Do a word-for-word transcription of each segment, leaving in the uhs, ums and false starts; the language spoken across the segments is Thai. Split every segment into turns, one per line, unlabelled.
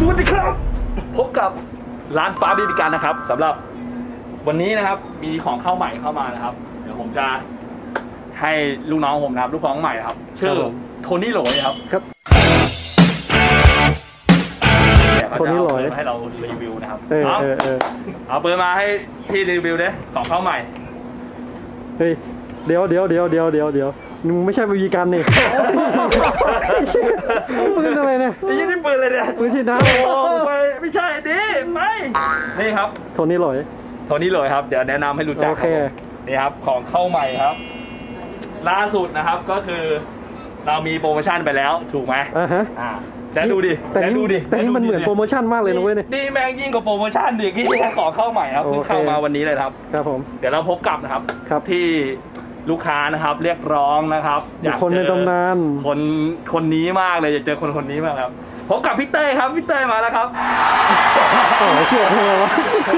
วัสดีครับพบกับร้านฟ้าบีบีกันนะครับสำหรับวันนี้นะครับมีของเข้าใหม่เข้ามานะครับเดี๋ยวผมจะให้ลูกน้องผมนะครับลูกน้องใหม่ครับชื่อโทนี่โหลยครับ
ครับโทนี่โหลย
ให้เรารีวิวนะครับ
เออเออเออ
เอาปืนมาให้พี่รีวิวดิของเข้าใหม่
เฮ้ยเดี๋ยวเดี๋ยวเดี๋ยวเดี๋ยวเดี๋ยวเดี๋ยวมึงไม่ใช่บีบีกันนี่ปืนอะไรเนี่ย
ไอ้ยี่นี่ปืนเลยเนี่ย
ปืนฉีดน้
ำไปไม่ใช่ดิไม่นี่ครับ
โทนี่โหลย
โทนี่โหลยครับเดี๋ยวแนะนำให้รู้จักครับนี่ครับของเข้าใหม่ครับล่าสุดนะครับก็คือเรามีโปรโมชั่นไปแล้วถูกไหม
อ่าฮะ
อ่าจะดูดิ
แต่ดูดิแต่นี่มันเหมือนโปรโมชั่นมากเลยนะเว้ย
นี่แม่งยิ่งกว่าโปรโมชั่นดิที่ของเข้าใหม่ครับเพิ่งเข้ามาวันนี้เลยครับ
ครับผม
เดี๋ยวเราพบกับนะครับ
ครับ
ที่ลูกค้านะครับเรียกร้องนะครับ
อยากคนในตำนาน
คนคนนี้มากเลยอยากเจอคนคนนี้มากครับพบกับพี่เต้ยครับพี่เต้ยมาแล้วครับ
โอ้ยเชื่อเลยวะ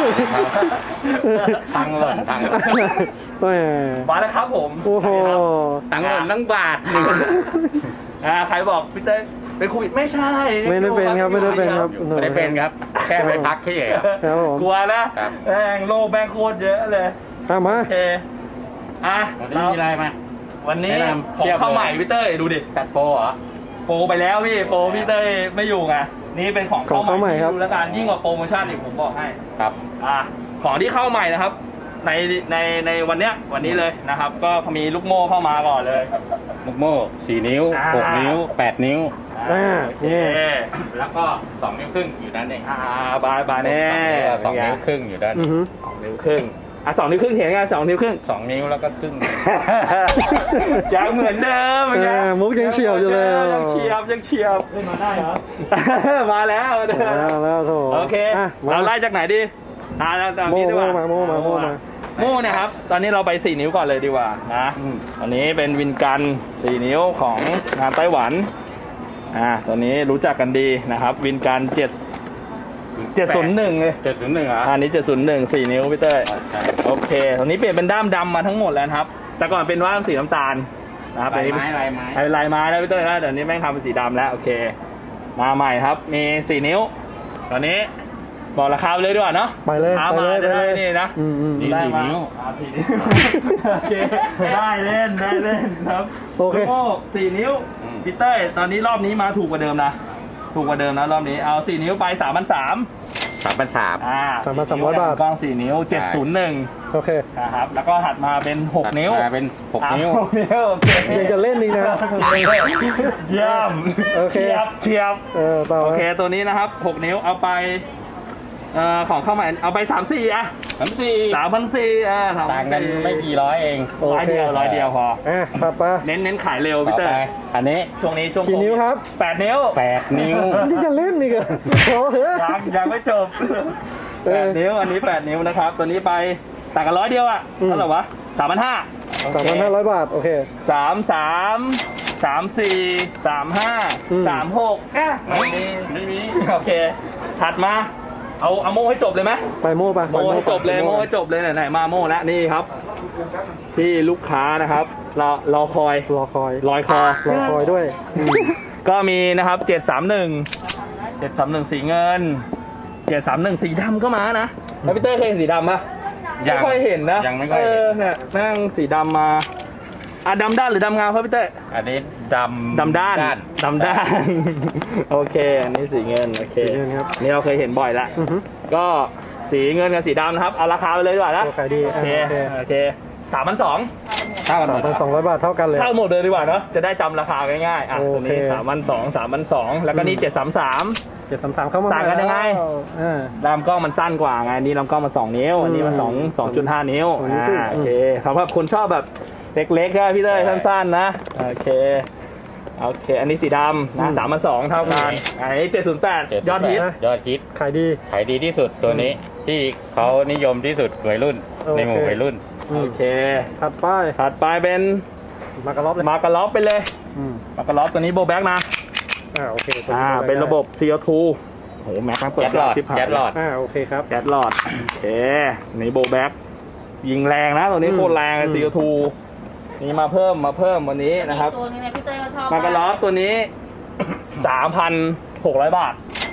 ตังหล่นตัง
มาแล้วครับผม
โอ้โห
ตังหล่นตั้งบาทหนึ่ง
อ่าใครบอกพี่เต้ยเป็นโควิดไม่ใช่
ไม่ได้เป็นครับไม่ได้เป็นครับ
ไม่ได้เป็นครับแค่ไปพักแค่เฉย
ครับผม
กลัวนะแม่งโรคแม่งโคตรเยอะเลย
มา
โอเคอ่ะ
วันนี้มีอะไรมา
วันนี้ของเข้าใหม่พี่เต้ยดูดิ
ตัดโปรเหรอ
โปรไปแล้วพี่โปรพี่เต้ยไม่อยู่ไงนี่เป็นของเข้าใหม่ดูแล้วกันยิ่งกว่าโปรโมชั่นอีกผมบอกให้
ครับ
อ่ะของที่เข้าใหม่นะครับในในในวันเนี้ยวันนี้เลยนะครับก็มีลูกโม่เข้ามาก่อนเลย
ลูกโม่สี่นิ้วหกนิ้วแปดนิ้ว
อ่านี่
แล้วก็สองนิ้วครึ่งอยู่ด้านนี้
อ่าบายบายแน่
สองนิ้วครึ่งอยู่ด้าน
สองนิ้วครึ่งอ่ะสองนิ้วครึ่งเห็นไงสองนิ้วครึ่ง
สองนิ้วแล้วก็ครึ่ง
ยังเหมือนเดิม
มุกยังเฉียบอยู่เลย
ยังเฉียบยังเฉียบมาได้เหรอมาแล้วมา
แล้วโถ
โอเคเราไล่จากไหนดีอ่าเราจากนี้ดีกว่า
โม่มาโม่มา
โม่เนี่ยครับตอนนี้เราไปสี่นิ้วก่อนเลยดีกว่านะอันนี้เป็นวินกันสี่นิ้วของงานไต้หวันอ่าตอนนี้รู้จักกันดีนะครับวินกันเจ็ดเจ็ดศูนย์หนึ่งเลย
เจ็ดศูนย์หนึ่งอ่ะ
อันนี้เจ็ดศูนย์หนึ่งสี่นิ้วพี่เต้ยโอเคตอนนี้เปลี่ยนเป็นด้ามดำมาทั้งหมดแล้วครับแต่ก่อนเป็นว่าสีน้ำตาลนะครับ
ลายไม้ลายไม้
ลายไม้แล้วพี่เต้ยนะเดี๋ยวนี้แม่งทำเป็นสีดำแล้วโอเคมาใหม่ครับมีสี่นิ้วตอนนี้บอกราคาไปเลยดีกว่าเนาะ
ไปเลย
ไปเลยจะได้นี่นะ
สี่นิ้ว
โอเคได้เล่นได้เล่นครับ
โอเค
โอ้สี่นิ้วพี่เต้ยตอนนี้รอบนี้มาถูกกว่าเดิมนะถูกกว่าเดิมนะรอบนี้เอาสี่นิ้วไปสามพันสาม
สามพันสาม
อ่า
สามพันสามร้อยบาท
กล้องสี่นิ้วเจ็ดศูนย์หนึ่ง
โอเค
นะครับแล้วก็ถัดมาเป็นหกนิ้ว
เป็นหกนิ้ว
โอเค
ยังจะเล่นอีกนะ
เยี่ยมเฉียบเฉียบ
เออ
โอเคตัวนี้นะครับหกนิ้วเอาไปเอ่อของเข้าใหม่เอาไปสามสี่อะ
สามสี่
สามพันสี่อ่า
ต่างกันไม่กี่ร้อยเอง
ร้อยเดียวร้อยเดียวพอ
อ่ะต่อไป
เน้นเน้นขายเร็วพี่เตอร์
อันนี้
ช่วงนี้ช่วง
กี่นิ้วครับ
แปดนิ้ว
แปดนิ้ว
นี่จะเล่นนี่กัน
ยังยังไม่จบแปดนิ้วอันนี้แปดนิ้วนะครับตัวนี้ไปต่างกันร้อยเดียวอ่ะเท่าไหร่วะสามพันห้า
สามพันห้าร้อยบาทโอเค
สามสามสามสี่สามห้าสามหกอ่ะไม่มีไม่มีโอเคถัดมาเอาเอาโม่ให้จบเลยไหม
ไปโม่ไป
โม่ให้จบเลยโม่ให้จบเลยไหนๆมาโม่แล้วนี่ครับที่ลูกค้านะครับรอรอคอย
รอคอย
รอยคอ
รอคอยด้วย
ก็มีนะครับเจ็ดสามหนึ่งเจ็ดสามหนึ่งสีเงินเจ็ดสามหนึ่งสีดำก็มานะแล้วพี่เต้เคยเห็นสีดำปะไม่ค่อยเห็นนะ
ยังไม่ค่อยเห็น
เนี่ยนั่งสีดำมาอ่ะดำด้านหรือดำงามครับพี่เต้
อันนี้ดำ
ดำด้านดำด้านโอเคอันนี้สีเงินโอเคนี่เราเคยเห็นบ่อยละก็สีเงินกับสีดำนะครับเอาราคาไปเลยดีกว่านะ
โอเคดี
โอเคโอเคสามพันสอง
เท่ากันหมด
สองร้อยบาทเท่ากันเลย
เท่าหมดเลยดีกว่าเนาะจะได้จำราคาง่ายๆอ่ะตัวนี้สามพันสองสามพันสองแล้วก็นี่เจ็ดสามสาม
เจ็ดสามสามเข้ามา
ต่างกันยังไงลำกล้องมันสั้นกว่าไงนี่ลำกล้องมันสองนิ้วอันนี้มันสองสองจุดห้านิ้วอ่าโอเคสำหรับคนชอบแบบเล็กๆก็พี่เต้ยสั้นๆนะโอเคโอเคอันนี้สีดำนะสามพันสองเท่ากันอันนี้เจ็ดศูนย์แปดยอดฮิต
ยอดฮิต
ขายดี
ขายดีที่สุดตัวนี้ที่เขานิยมที่สุดวัยรุ่นในหมู่วัยรุ่น
โอเค
ถัดไป
ถัดไปเป็น
มากระล็อบเลย
มากระล็อบไปเลยมากระล็อบตัวนี้โบแบ็กนะ
อ่าโอเค
อ่าเป็นระบบ ซี โอ ทู โหแม็กซ์เปิด
แก๊สหลอดแก๊สหลอด
อ่าโอเคครับ
แก๊สหลอดโอเคนี่โบแบ็กยิงแรงนะตัวนี้โคตรแรง ซี โอ ทู นี่มาเพิ่มมาเพิ่มวันนี้นะครับ
ตัวนี้นะพี่เต้ยเขาชอบ
มากระล็อบตัวนี้ สามพันหกร้อย บาท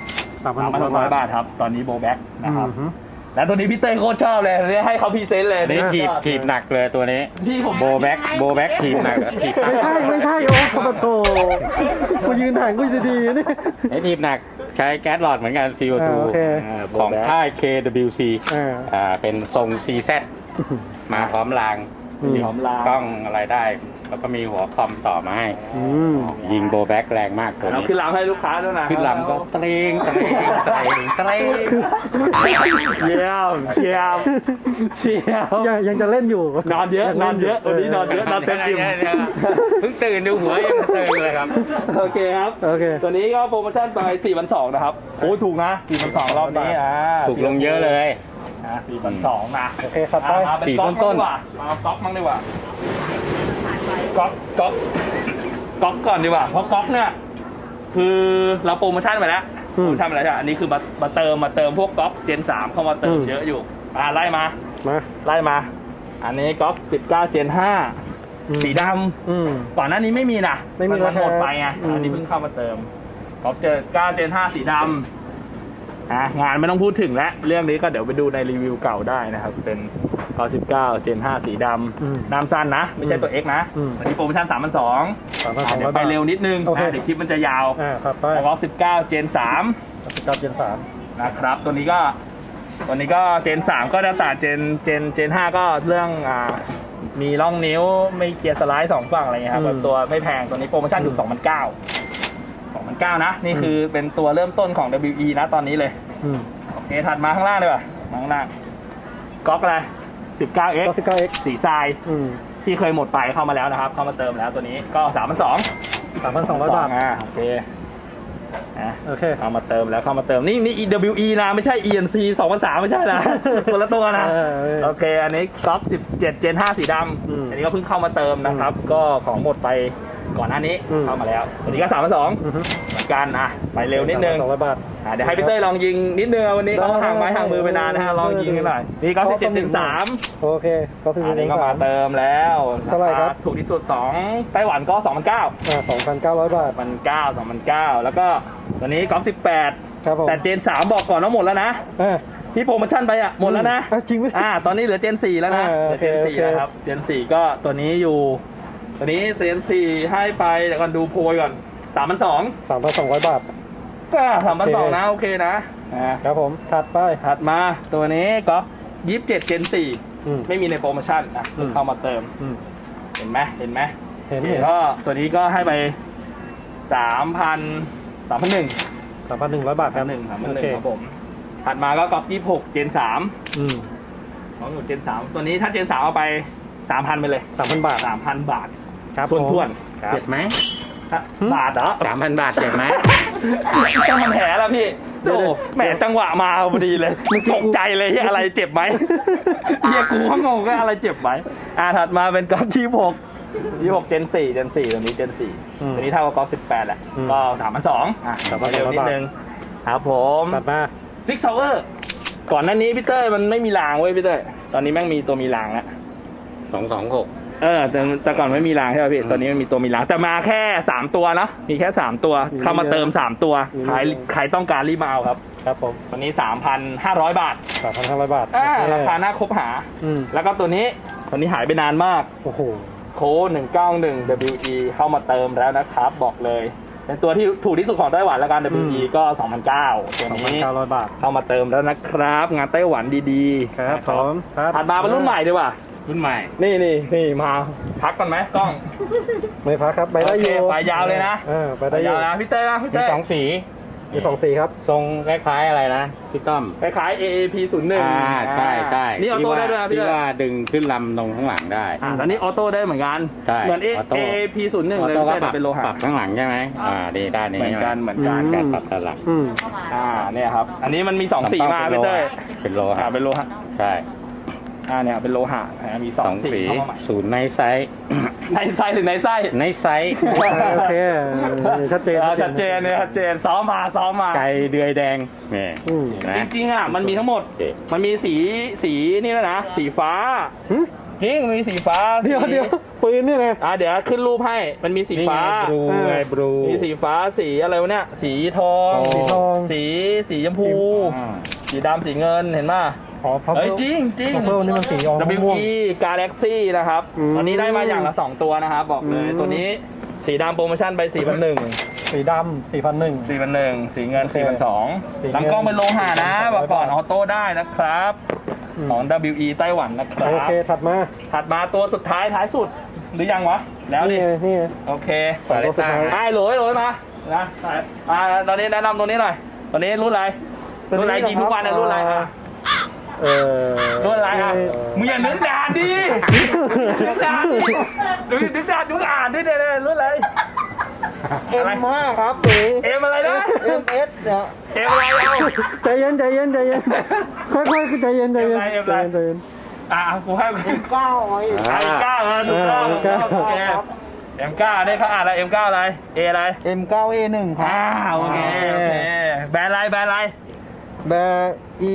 สามพัน
สามพันหกร้อยบาทครับ ตอนนี้โบแบ็กนะครับ
อืม
แล้วตัวนี้พี่เต้ยโคตรชอบเลยเนี่ยให้เขาพรีเซนต์เลย
นี่ถีบถีบหนักเลยตัวนี้
พี่ผม
โบแบ็กโบแบ็กถีบหนักเหรอถีบหนัก
ไม่ใช่ไม่ใช่โอ้โหโถกูยืนห่างกูดีๆนี่
ไอ้ถีบหนักใช้แก๊สหลอดเหมือนกัน ซี โอ ทู
อ่าโอเค
อ่าของค่าย เค ดับเบิลยู ซี
อ่า
อ่าเป็นทรง ซี แซด มาพร้อมราง
อืม
พร้อมลาก
ล้องอะไรได้ แล้วก็มีหัวคอมต่อมาให้
อืม
ยิงโบแบ็กแรงมากตัว
เรา
นี้
ขึ้นลำให้ลูกค้าด้วยนะ
ขึ้นลำก็เตรงเตรงเตรงเตรง
เยี่ยมเยี่ยมเยี่ยม
ยังยังจะเล่นอยู่
นอนเยอะนอนเยอะวันนี้นอนเยอะ เต็มอิ่ม
เพิ่งตื่นดูหัวยังเตรงเลยครับ
โอเคครับ
โอเค
ตัวนี้ก็โปรโมชั่นไปสี่พันสองนะครับโอ้ถูกนะสี่พันสองรอบนี้อ่า
ถูกลงเยอะเลย
อ่าสี่พันสองนะ
โอเคครับไป
อ่ามาเป็น
สี่
ก๊อก
ต้นๆ
ดีกว่ามาเอาก๊อกมั่งดีกว่าก๊อกก๊อกก๊อกก่อนดีกว่าเพราะก๊อกเนี่ยคือเราโปรโมชั่นไปแล้วโปรโมชั่นไปแล้วใช่ไหมอันนี้คือมามาเติมมาเติมพวกก๊อกเจนสามเข้ามาเติมเยอะอยู่อ่าไล่มา
มา
ไล่มา อันนี้ก๊อกสิบเก้าเจนห้า
อืม
สีด
อืม
ำก่อนหน้านี้ไม่มีนะ
ไม่มี
นหมดไปไง
อืม
อันนี้เพิ่งเข้ามาเติมก๊อกเจอเก้าเจนห้าสีดำอ่ะงานไม่ต้องพูดถึงแล้วเรื่องนี้ก็เดี๋ยวไปดูในรีวิวเก่าได้นะครับ เป็นก๊อกสิบเก้าเจนห้าสีด
อืม
ำน้ำสั้นนะ ไม่ใช่ตัว X นะ
อืม
วันนี้โปรโมชั่นสามพันสอง
สามพันสอง
เดี๋
ร้
ย
อยว
ไป
บาท
เร็วนิดนึง
โอเค
นะเดี๋ยวคลิปมันจะยาว
อ่าครับไป
ก๊อกสิบเก้าเจนสาม
สิบเก้าเจนสาม
นะครับตัวนี้ก็ตัวนี้ก็เจนสามก็จะต่างเจนเจนเจนห้าก็เรื่องอ่ามีร่องนิ้วไม่เกียร์สไลด์สองฝั่งอะไรเงี้ยครับ
อืม
แบบตัวไม่แพงตัวนี้โปรโมชั่นอยู่สองพันเก้าสองพันเก้านะนี่คือเป็นตัวเริ่มต้นของ ดับเบิลยู อี นะตอนนี้เลย
อืม
โอเคถัดมาข้างล่างเลยป่ะมาข้างล่างก๊อกอะไรสิบเก้าเอ็ก
ก็สิบเก้าเอ็ก
สีทราย
อืม
ที่เคยหมดไปเข้ามาแล้วนะครับ เข้ามาเติมแล้วตัวนี้ก็สามพันสอง
สามพันสองร้อยบาท
อ่าโอเคอ่ะ
โอเค
เข้ามาเติมแล้วเข้ามาเติมนี่นี่ ดับเบิลยู อี นะไม่ใช่ อี เอ็น ซี สองพันสามไม่ใช่นะ คนละตัวนะ
เออเออ
โอเค อันนี้ก๊อฟสิบเจ็ดเจนห้าสีด
อืม
ำอันนี้ก็เพิ่งเข้ามาเติมนะครับ ก็ของหมดไปก่อนหน้านี้
อืม
เข้ามาแล้ววันนี้ก็สามพันสอง
อือฮึ
เหมือนกันอ่ะไปเร็วนิดนึง
สองร้อยบาท
อ่ะเดี๋ยวให้พี่เต้ยลองยิงนิดนึงวันนี้เขาห่างไม้ห่างมือไปนานนะฮะลองยิงกันหน่อยนี่ก๊อฟสิบเจ็ดเจนสาม
โอเคก็สิบ
อัน
เจ็ด
นี้
เจน
ก็
สา
มา
ม
เติมแล้ว
เท่าไหร่ครับ
ถูกที่สุดสองไต้หวันก็สองพันเก้า
อ่าสองพันเก้าร้อยบาท
มันเก้าสองพันเก้าแล้วก็ตัวนี้ก๊อฟสิบแปด
ครับผม
แต่เจนสามบอกก่อนว่าหมดแล้วนะ
อ่า
ที่โปรโมชั่นไปอ่ะหมดแล้วนะ
อ่ะจริงไหม
อ่าตอนนี้เหลือเจนสี่แล้วนะ
อ่า
เหลือเจน
โอเค
สี่
โอเค
นะครับเจนสี่ก็ตัวนี้อยู่ ตัวนี้เจนสี่ให้ไปเดี๋ยวก่อนดูโพยก่อนสามพันสอง
สามพันสองร้อยบาท
ก็สามพันสอง
โอเค
นะโอเคนะอ่า
ครับผมถัดไป
ถัดมาตัวนี้ก็ยี่สิบเจ็ดเจนสี่
อืม
ไม่มีในโปรโมชั่นอ่ะ
อืม
เข้ามาเติม
อืม
เห็นไหมเห็นไหม
เห็นเห็น
ก็ตัวนี้ก็ให้ไปสามพันสามพันหนึ่ง
สามพันหนึ่งร้อยบาทค
สา
รั
ม
บ
หนึ่งสามพัน
โอ
หนึ่
เค
งครับผมถัดมาก็ก๊อปยี่สิบหกเจนสาม
อืม
ของหนูเจนสามตัวนี้ถ้าเจนสามเอาไปสามพันไปเลย
สามพันบาท
สามพันบาท
ครับ
ทวน
ผม
ทวนๆครับ
เจ็บไหม
บาทเหรอ
สามพันบาทเจ็บไหม
ต้องทำแผลแล้วพี่โอ้แหมจังหวะมาพอดีเลยตกใจเลยเฮียอะไรเจ็บไหมเฮียกูก็งงว่าอะไรเจ็บไหมอ่าถัดมาเป็นก๊อปยี่สิบหกยี่สิบหกเจนสี่เจนสี่ตัวนี้เจนสี่
อืม
ตัวนี้เท่ากับก๊อปสิบแปดแหละ
อืม
ก็สามพันสองอ่ะ
สามพันส
เร็
อง
ว
ร้อย
นิด
บาท
นึงครับผม
ตัดมา
ซิกซาวเวอร์ก่อนหน้านี้พี่เต้ยมันไม่มีรางเว้ยพี่เต้ยตอนนี้แม่งมีตัวมีรางแล้ว
สองสองหก
เออแต่แต่ก่อนไม่มีรางใช่ไหมพี่
อืม
ตอนนี้มันมีตัวมีรางแต่มาแค่สามตัวเนาะมีแค่สามตัว
มี
เข้ามาเติมสามตัว
มี
ใคร
เยอะ
ใครต้องการรีบมาเอาครับ
ครับผม
วันนี้สามพันห้าร้อยบาท
สามพันห้าร้อยบาท
อ่า
โอเ
ราคาน่าคบหา
อืม
แล้วก็ตัวนี้ตัวนี้หายไปนานมาก
โอ้โห
โค้ดหนึ่งเก้าหนึ่ง ดับเบิลยู อี เข้ามาเติมแล้วนะครับ บอกเลย เป็นตัวที่ถูกที่สุดของไต้หวันแล้วกัน ดับเบิลยู อี
อืม
ก็สองพันเก้าตัว
สองพัน
นี้
เก้าร้อยบาท
เข้ามาเติมแล้วนะครับ งานไต้หวันดีๆ
ครับ
นะ
ผมครับ
ถัดมาเป็นรุ่นใหม่ดีกว่า
รุ่นใหม่
นี่นี่นี่มาพักก่อนไหมกล้อง
ไม่พักครับไปได้อยู่
โอเคไปยาวเลยนะ
เออไปได้อย
า
ยู่
วนะพี่เต้นะพี่
มี
เต้
สองสี
มีสองสีครับ
ทรงคล้ายๆอะไรนะพี่ต้อม
คล้ายๆ เอ เอ พี ศูนย์หนึ่ง
อ่าใช่ใช่
นี่ออโต้ได้ด้วยนะพี่
ที่
เต้
ว่าดึงขึ้นลำตรงข้างหลังได้
อ่าตอนนี้ออโต้ได้เหมือนกัน
ใช่
เหมือน A
ออโต้
เอ พี ศูนย์หนึ่งเลย
ออโต้ก็
แต่
ปรับ
เป็นโลหะ
ปรับข้างหลังใช่ไหมอ่าดีด้านนี้
เหมือนกันเหมือนกัน
อืม
การปรับด้านหลัง
อืม
อ่าเนี่ยครับ อันนี้มันมีสองสีมาพี่เต้ย
เป็นโล
อ่า
หะ
เป็นโลหะ
ใช่
อ่าเนี่ยเป็นโลหะอ่ามีส
ส
อ
อง ง
สี
สี
เข้ามาใหม่
ศูนย์ในไซส์
ในไส้หรือในไส้
ในไซส์
โอเคชัดเจน
อ่าชัดเจนเนี่ยชัดเจนซ้อมมาซ้อมมา
ไก่เดือยแดงนี่
อืม
นะ
จริงๆอ่ะมันมีทั้งหมด
โอเค
มันมีสีสีนี่แล้วยนะ สีฟ้า
หึ
จริงมีสีฟ้า
เดี๋ยว
สี
เดี๋ยวปืนเนี่ยนะ
อ่าเดี๋ยวขึ้นรูปให้มันมีสีฟ้า
บลูไงบลู
มีสีฟ้าสีอะไรวะเนี่ยสีทอง
สีทอง
สีสีชมพู
อ่า
สีดำสีเงินเห็นป่ะ
อ๋อพับ
เฮ้ยจริงจริง
พับเบิลนี่มันสีออกม่วง
ดับเบิลยู อี Galaxy นะครับ
อืม
ตอนนี้ได้มาอย่างละสองตัวนะครับ บอกเลย
อืม
ตัวนี้สีดำโปรโมชั่นไปสี่พันหนึ่ง
สีดำสี่พันหนึ่ง
สี่พันหนึ่งสีเงิน
โอเค
สี่พันสอง
สีเงิน
ลำกล้องเป็นโลหะนะ
สี่พัน
บอกก่อน
ร้อยบาท
ออโต้ได้นะครับ
อืม
ของ ดับเบิลยู อี ไต้หวันนะครับ
โอเคถัดมา
ถัดมาตัวสุดท้ายท้ายสุด หรือยังวะ แล้วดิ
นี่ไงนี่ไง
โอเค
สองตัวสุดท้าย
ไอ้โหลยโหลยมานะอ่าตอนนี้แนะนำตัวนี้หน่อยตัวนี้รุ่นอะไรรุ่นอะไรยิงทุกวันนะรุ่นอะไรอ่ะ
เออ
รุ่นอะไรอ่ะมึงอย่านึกนานดินึกนานดิดูนึกนานดูอ่านด้วยเนี่ยรุ่นอะไร
เอ็มมากครับหนู
เอ็มอะไรนะ
เอ็มเอสเนี่ย
เอ็มอะไรเอา
ใจเย็นใจเย็นใจเย็นค่อยๆใจเย็นใจเย็น
เอ็มอะไร
ใจเย็น
อ่ะกูให้
เก้าไอ้
เอ็มเก้าเออถูกต้อง
เอ็
ถู
ม
ก
เก้า
ต้องโอเคเอ็มเก้าเนี่ยเขาอ่านอะไรเอ็มเก้าอะไรเออะไร
เอ็มเก้าเอหนึ่งครับ
อ่าโอเคโอเคแบรนด์อะไรแบรนด์อะไร
แบร์อี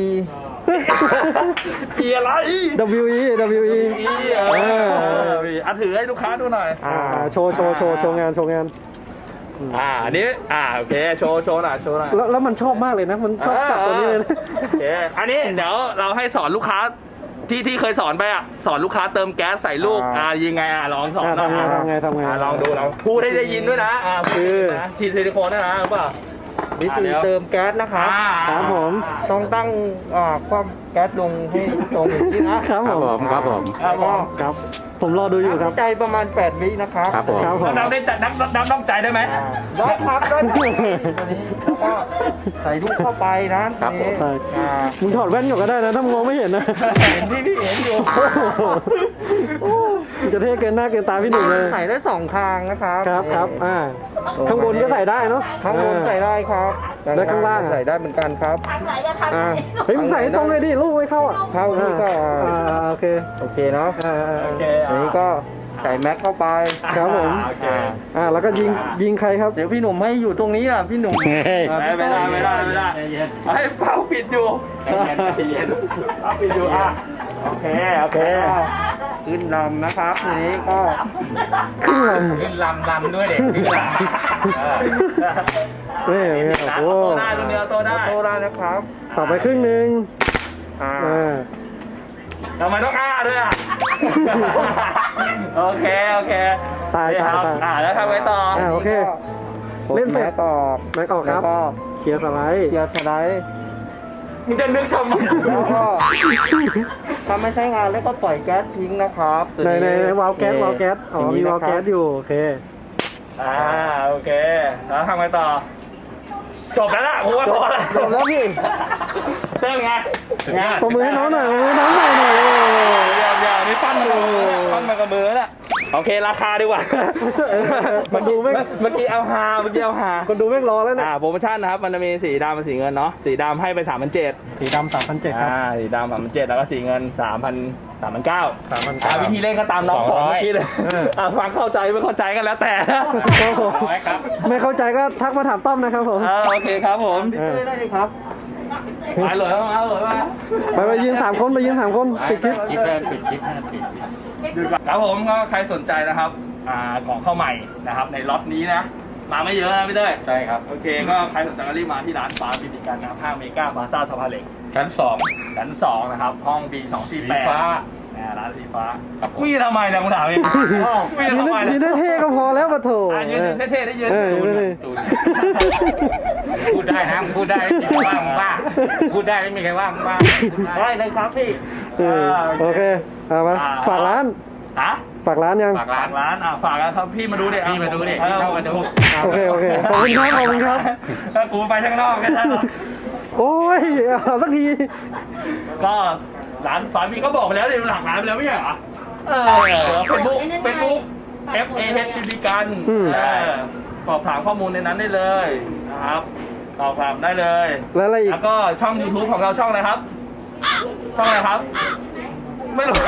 อีอะไร
W E W E
อีเอออ่ะถือให้ลูกค้าดูหน่อย
อ่าโชว์โชว์โชว์โชว์งานโชว์งาน
อ่าอันนี้อ่าโอเคโชว์โชว์หน่อยโชว์หน่อย
แล้วแล้วมันชอบมากเลยนะ มันชอบจับตัวนี้เลยนะ
โอเคอันนี้เดี๋ยวเราให้สอนลูกค้าที่ที่เคยสอนไปอ่ะสอนลูกค้าเติมแก๊สใส่ลูกอ่ายังไงอ่ะลองสอน
อ่า
หน่อย
ทำไงทำไงทำไง
อ่าลองดูลองพูดให้ได้ยินด้วยนะอ่า
คือ
นะฉีดซิลิโคนด้วยนะรู้เปล่า
วิธีเติมแก๊สนะครับ
อ่า
ครับผม
ต้องตั้งอ่าความแก๊สลงให้ตรงอย่างนี้นะครับ
ผ
ครับ
ม
ผมครับผม
ครับผม
ครับ ผมรอดูอยู่ครับ
ใจประมาณแปดวินะครับ
ครับผม
ครับผม
น้ำได้จัดน้ำน้ำน้ำใจได้ไหม
อ่าได้ครับได้ครับตัวนี้แล้วก็ใส่ลูกเข้าไปนะครับ
ผม
ทีนี้อ่า
มึงถอดแว่นก่อนก็ได้นะถ้ามึงมองไม่เห็นนะ
เห็นพี่พี่เห็นอยู่
โอ้มึงจะเท่เกินหน้าเกินตาพี่หนุ่มเลย
ใส่ได้สองทางนะครับ
ครับครับอ่าข้างบนก็ใส่ได้เนาะ
ข้างบนใส่ได้ครับ
แล้วข้างล่างอะ
ใส่ได้เหมือนกันครับ
ทางไหนจะทำ
อ่า
เฮ้ยมึงใส่ให้ตรงเลยดิลูกไม่เข้าอ่ะ
เข้านี่ก็
อ่าอ่าโอเค
โอเคเนาะ
อ่าอ่า
โอเค
อันนี้ก็ใส่แม็กเข้าไป
ครับผม
โอเค
อ่าแล้วก็ยิงยิงใครครับ
เดี๋ยวพี่หนุ่มให้อยู่ตรงนี้อ่ะพี่หนุ่ม
ไม่ไม่ได้ไม่ได้ไม่ได้ให้เป้าปิดอยู่
ใจเย็นใจเย็น
เป้าปิดอยู่อ่ะโอเคโอเค
ขึ้นลำนะครับทีนี้ก็
ขึ้นล
ขึ้นลำลำด้วยเด็กขึ้นลำ
ำนี่นี่
นะ
โอ้
โตได้รุ่นเดียวโตได้
โตได้นะครับ
ต่อไปครึ่งหนึ่ง
อ่า
อ่า
ทำไมต้องอ้าด้วยอ่ะ โอเค โอเค
ตาย
นี่
ตาย
ครับ
ตาย
อ่าแล้วทำไงต่อ
อ่าโอเค
เล่
เล่
น
นเสร็จ
แม็กออก
แม็กออกครับ
แล้วก็
เคลียร์สไลด์
เกียร์สไลด์
มึงจะนึกทำไม
แล้วก็ถ้าไม่ใช้งานแล้วก็ปล่อยแก๊สทิ้งนะครับตัว
ในในในวาล์วแก๊ส
โอคว
าล์วแก๊สอ๋อมีวาล์วแก๊สอยู่โอเค
อ่า โอเค แล้วทำไงต่อ จบแล้วล่ะผมว่าพอแล้ว
จบแล้วพี่
เต้นไงไง
ปรบมือให้น้องหน่อยปรบมือให้น้องหน่อยหน่อย
เดี๋ยวเดี๋ยวนี่ปั้นมากับมือปั้นมากับมือแล้วโอเค ราคาดีกว่า
มันดูไม่
เมื่อกี้เอาฮาเมื่อกี้เอาฮา
คนดูแม่งรอแล้วเนี่ย
อ่าโปรโมชั่นนะครับ มันจะมีสีดำกับสีเงินเนาะ สีดำให้ไปสามพันเจ็ด
สีดำสามพันเจ็ดครับ
อ่าสีดำสามพันเจ็ดแล้วก็สีเงินสามพันสามพันเก้า
สามพัน
อ่า
เก้า
วิธีเล่นก็ตามน้องสอนเมื่อกี้เลย
เออ
อ่าฟังเข้าใจไม่เข้าใจกันแล้วแต่
ครับผม
ร้อยครับ
ไม่เข้าใจก็ทักมาถามต้อมนะครับผม
อ่าโอเคครับผม
เออ
ได้เลยครับ
ไปเลยมาเลยมา
ไปไปยืนสามคนไปยืนสามคนปิดคลิป
คลิปแรกปิดคลิปให้ปิด
ครับผมก็ใครสนใจนะครับอ่าของเข้าใหม่นะครับ ในล็อตนี้นะ มาไม่เยอะนะพี่เต้ย
ใช่ครับ
โอเคก็ใครสนใจก็รีบมาที่ร้านฟ้าบินิกันนะครับห้างเมกาบาซ่าสะพานเหล็ก
ชั้นสอง
ชั้นสองนะครับ ห้อง บี สองสี่แปด
สีฟ้า
อ่าร้านสีฟ้า
ครับผม
มีทำไมเนี่ยมึงถามเองมี
ยืน
ทำไม
ยืน
เนี่ย
เท่ๆก็พอแล้วปะโถ
อ่ะยืนเท่ๆได้ยืน
เออ
ตูน
ยืน
ตูน
พูดได้นะพูดได้ไม่มีใครว่ามึงบ้าพูดได้ไม่มีใครว่ามึงบ้าพูดได้
ได้เลยครับพี่
เออโอเคเอามาฝากร้าน
ฮะ
ฝากร้านยัง
ฝากร้า
ฝาน กร้านอ่ะฝากกันครับพี่มาดูดิ
พี่มาดูดิพี่เข้ามาดู
โอเคโอเคขอบคุณครับขอบคุณครับ
ถ้ากูไปข้างนอกกันนะ
โอ้ยเอาสักที
ก็ร้านฝาพี่ก็บอกไปแล้วดิหลักร้านไปแล้วไม่ใช่เหรอเออเฟซบุ๊กเฟซบุ๊ก F A H บีบีกันเออสอบถามข้อมูลในนั้นได้เลยนะครับสอบถามได้เลย
แล้วอะไรอีก
แล้วก็ช่อง YouTube ของเราช่องอะไรครับ ช่องอะไรครับ ไม่รู้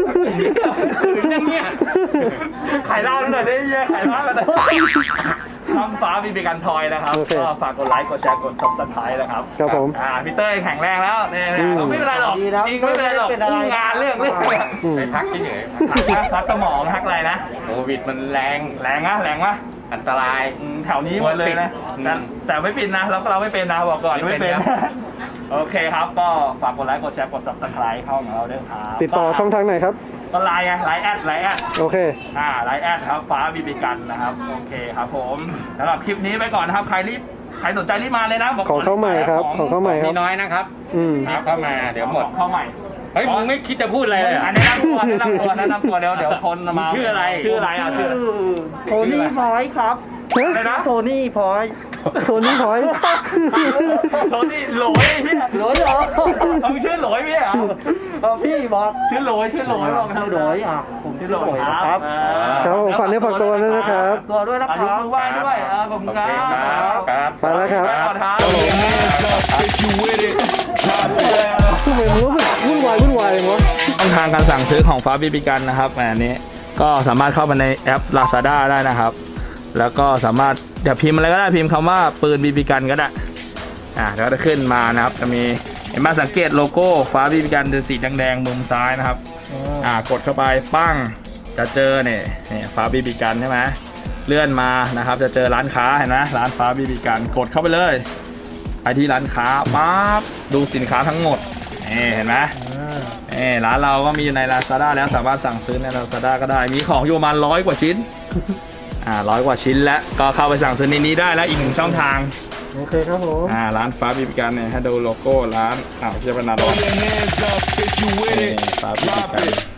ถึงยังเงี้ยขายเหล้าหน่อยได้เหี้ยขายเหล้ากันหน่อยช่องฟ้าบีบีกันทอยนะครับ
โอเค
ก็ฝากกดไลค์กดแชร์กด ซับสไครบ์ นะครับ
ครับผม
อ่าพี่เต้ยแข็งแรงแล้วเนี่ย
อืม
ไม่เป็นไรหรอก
ดีแล้ว
จริงไม่เป็นไรหรอก
ไม่เป็นไร
อู้งานเรื่องเรื่อง
อืม
ไปพักที่ไหน
พักพักสมองพักอะไรนะ
โควิดมันแรง
แรงนะแรงวะ
อันตราย
อืมแถวนี้หมดเลยนะ
อืม
แต่แต่ไม่ปิดนะเราก็เราไม่เป็นนะบอกก่อน
ไม่
ไม่
เป็
เป็น
นครับ
โอเคครับก็ฝากกดไลค์กดแชร์กด ซับสไครบ์ เข้าของเราด้วยครับ
ติดต่อช่องทางไหนครับ
ก็ไลน์ไงไลน์แอดไลน์แอด
โอเค
อ่าไลน์แอดครับฟ้าบีบีกันนะครับโอเคครับผมสำหรับคลิปนี้ไปก่อนนะครับใครรีบใครสนใจรีบมาเลยนะบอก
ของเข้าใหม่ครับ ของเข้าใหม่ค
มี
รับ
น้อยนะครับ
อืม
รีบเข้ามาเดี๋ยวหมด
ของเข้าใหม่
เฮ้ยมึงไม่คิดจะพูดอะไรเลยเหรอ
อันนี้แนะนำตัวแนะนำตัวแนะนำตัวเดี๋ยวเดี๋ยวคนมา
ชื่ออะไร
ชื่ออะไรอ่ะชื่อ
โทนี่พอยต์ครับ
อะไรนะ
โทนี่พอยต์
โทนี่พอยต์
โทนี่โหลยพี่
โหลยเหรอ
เอาชื่อโหลยพี่เหรอ
เอาพี่บอก
ชื่อโหลยชื่อโหลยบอก
ชื่อโหลยอ่ะผมชื่อโหลยนะครับ
ครับผมฝากเนื้อฝากตัวด้วยนะครับ
ตัวด้วยนะ
อา
ค
ยุ
รับ
มือไหว้ด้วยเออขอบคุณ
โอ
ค
เค
รั
ครับ
บ
ครับ
ไปแล้วครับ
ไปก่อนครับ
ทำไมมันรู้สึกวุ่นวายวุ่นวายเลยวะ
ช่องทางการสั่งซื้อของฟ้าบีบีกันนะครับอันนี้ก็สามารถเข้ามาในแอป Lazada ได้นะครับ แล้วก็สามารถเดี๋ยวพิมพ์อะไรก็ได้พิมพ์คำว่าปืนบีบีกันก็ได้อ่าแล้วก็จะขึ้นมานะครับจะมีเห็นไหมสังเกตโลโก้ฟ้าบีบีกันเป็นสีแดงๆมุมซ้ายนะครับอ่ากดเข้าไปปั้งจะเจอเนี่ยเนี่ยฟ้าบีบีกันใช่ไหมเลื่อนมานะครับจะเจอร้านค้าเห็นไหมร้านฟ้าบีบีกันกดเข้าไปเลยไปที่ร้านค้าปั๊บดูสินค้าทั้งหมดนี่เห็นไหม เออร้านเราก็มีอยู่ใน Lazada แล้วสามารถสั่งซื้อใน Lazada ก็ได้มีของอยู่ประมาณร้อยกว่าชิ้นอ่าร้อยกว่าชิ้นแล้วก็เข้าไปสั่งซื้อในนี้ได้แล้วอีกหนึ่งช่องทาง
โอเคครับผม
อ่าร้านฟ้าบีบีกันเนี่ยให้ดูโลโก้ร้านอ้าวเจ้าพนักงานฟ้าบีบีกัน